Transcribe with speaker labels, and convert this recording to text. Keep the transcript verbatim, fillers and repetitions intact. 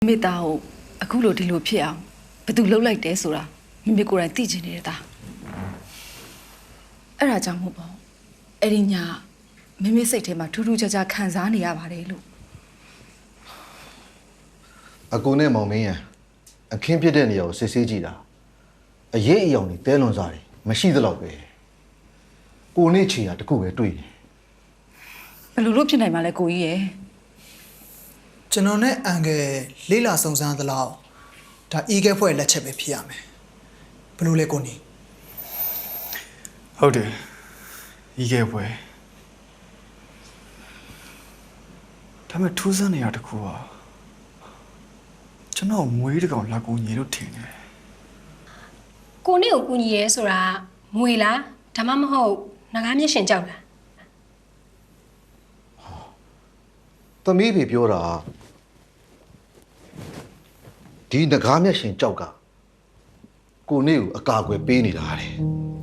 Speaker 1: မိသားကိုအခုလိုဒီလိုဖြစ်အောင်ဘယ်သူလှုပ်လိုက်တယ်ဆိုတာမိမိကိုယ်တိုင်သိချင်နေတဲ့သားအဲ့ဒါကြောင့်မို့ပေါ့အဲ့ဒီညမိမိစိတ်ထဲမှာထူးထူးခြားခြားခံစားနေရပါတယ်လို့
Speaker 2: အကူနဲ့မောင်မင်းရအခင်းဖြစ်တဲ့နေရာကိုစစ်ဆေးကြည့်တာအရေးအယောင်တွေတဲလွန်စားတယ်မရှိသလောက်ပဲကိုနဲ့ချီတာတခုပဲတွေ့တယ်
Speaker 1: ဘယ်လိုလုပ်ဖြစ်နိုင်မှာလဲကိုကြီးရယ်
Speaker 3: ကျွန်တော်နဲ့အန်ကယ်လေးလာစုံစမ်းသလောက်ဒါအီးကဲဖွဲ့လက်ချက်ပဲဖြစ်ရမယ်ဘယ်လိုလဲကိုနီ
Speaker 4: ဟုတ်တယ်ဤခဲ့ပွဲဒါပေမဲ့ထူးဆန်းနေရတခုอ่ะကျွန်တော်မွေးတကောင်လာကူညီလို့ထင်တယ်
Speaker 5: ကိုနေ့ကိုကူညီရဲဆိုတာမွေလားဒါမှမဟုတ်ငကားမျက်ရှင်ကြောက်လား
Speaker 2: သမီးဖေပြောတာဒီငကားမျက်ရှင်ကြောက်ကကိုနဲ့ကိုအကာအကွယ်ပေးနေတာတဲ့